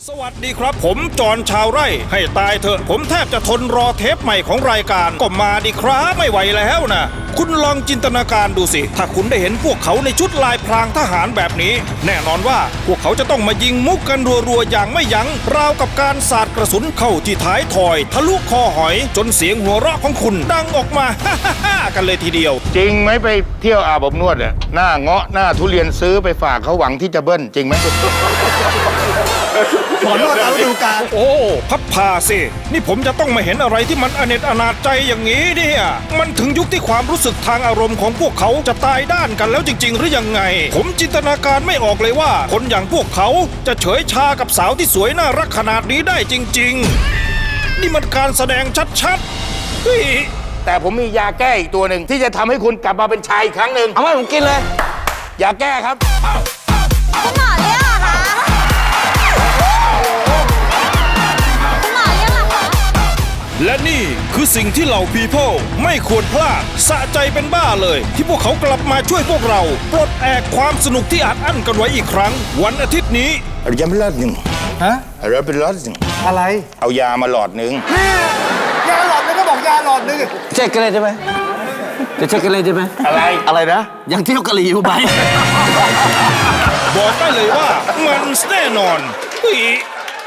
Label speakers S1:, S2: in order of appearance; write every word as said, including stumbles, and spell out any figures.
S1: สวัสดีครับผมจอนชาวไร่ให้ตายเถอะผมแทบจะทนรอเทปใหม่ของรายการก็มาดิครับไม่ไหวแล้วนะคุณลองจินตนาการดูสิถ้าคุณได้เห็นพวกเขาในชุดลายพรางทหารแบบนี้แน่นอนว่าพวกเขาจะต้องมายิงมุกกันรัวๆอย่างไม่ยั้งราวกับการสาดกระสุนเข้าที่ท้ายทอยทะลุคอหอยจนเสียงหัวเราะของคุณดังออกมาฮ่าฮ่าฮ่ากันเลยทีเดียว
S2: จริงไหมไปเที่ยวอาบอบนวดอะหน้าเงาะหน้าทุเรียนซื้อไปฝากเขาหวังที่จะเบิ้ลจริงไหม
S3: หมอนวดเอาดูการ
S1: โอ้พับพาสินี่ผมจะต้องมาเห็นอะไรที่มันอเนจอนาจใจอย่างนี้เนี่ยมันถึงยุคที่ความรู้สึกทางอารมณ์ของพวกเขาจะตายด้านกันแล้วจริงๆหรือยังไงผมจินตนาการไม่ออกเลยว่าคนอย่างพวกเขาจะเฉยชากับสาวที่สวยน่ารักขนาดนี้ได้จริงๆนี่มันการแสดงชัดๆเฮ้ย
S2: แต่ผมมียาแก้อีกตัวหนึ่งที่จะทำให้คุณกลับมาเป็นชายอีกครั้งหนึ่ง
S3: เอาไว้ผมกินเลย
S2: ยาแก้ครับ
S4: คุณหมอเรียกเหรอคะคุณหมอเรียกเหรอคะ
S1: และนี่คือสิ่งที่เหล่า people ไม่ควรพลาดสะใจเป็นบ้าเลยที่พวกเขากลับมาช่วยพวกเราปลดแอกความสนุกที่อัดอั้นกันไว้อีกครั้งวันอาทิตย์นี้
S2: ยาเป็นหลอดหนึ่ง
S3: ฮะ
S2: ยาเป็นหลอดหนึ่ง
S3: อะไร
S2: เอายามาหลอดหนึ่ง
S3: นี่ยาหลอดนึงก็บอกยาหลอดนึงเช็คกันเลยได้ไหมจะเช็คกันเลยได้ไหม
S2: อะไร
S3: อะไรนะยังเที่ยวกะหรี่อยู่ไหม
S1: บอกได้เลยว่ามันแน่นอนเฮ้ย